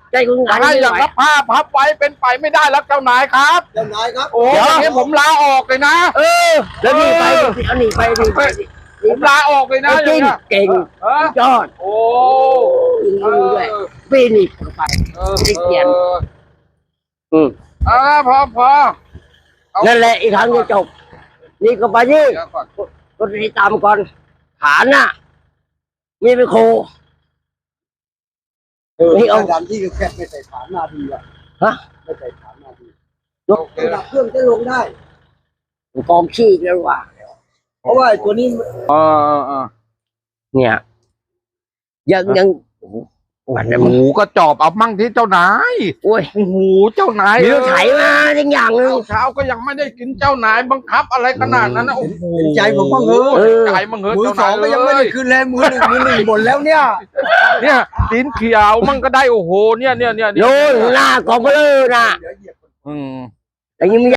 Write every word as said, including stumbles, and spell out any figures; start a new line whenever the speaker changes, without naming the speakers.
ใจคุณ
จะ
นาย
ให้
ไม่
อย่าง
ไหว
รับผ้าพับไว้เป็นไปไม่ได้แล้วเจ้านายครับ
เจ้านายครับ
โอ้ยอย่างนี้ผมลาออกเลยนะ
เออ แล้วหนีไปดิเอาหนีไปหนีไปดิ
ผมลาออกเลยนะ
เอา
อ
จริ
ย่าง
ง
เงี้ย
เก่ง
เออย
อด
โอ้
เออด้วยปีนี่ไป
เออ
ไม่เกียน
เออ
อืม
อ่าพอพอเอา
นั่นแหละอีกครั้งจะจบ นี่ก็ไปนี่
เดี๋ยวก่อน
ก็ติดตามก่อนฐานน่ะมีเป็นโค
เออ
นี่เอา
ดันที่แคบไม่ใส่ฐานนาดีอ่ะ
ฮะ
ไม่ใส่ฐานนาดี
โอเค
ระดับเครื่องจะลงได้
กองขี้แล้วว่า
เพราะว่าไอ้ตัวนี้
เออเออเออ
เนี่ย ยังยังโอ้โหวันนี้
ห
มึง
มูก็จอบเอามั่งที่เจ้านาย
โอ้ย
โอ้โหเจ้านาย
มีรถไถมาทั้งอย่างหนึง
เช้าก็ยังไม่ได้กินเจ้านายบังคับอะไรขนาดนั้นนะโอ้โห
เห็นใจผมบ้างเถอะ
เออ
ใจมึงเหอะ
มือ
เจ้า
ส
นา
อง
ย
ก็ยังไม่
เล
ได้
ย
คืนเลยมือหนึ่งมือหนึ่งหมดแล้วเนี่ย
เนี่ยตีนเขียวมันก็ได้โอ้โหเนี่ยเนี่ยเนี่ย
โน่นหน้ากองเบลอน่ะ
เดี๋ยวเหยียบ
อืม
แต่ยังไม่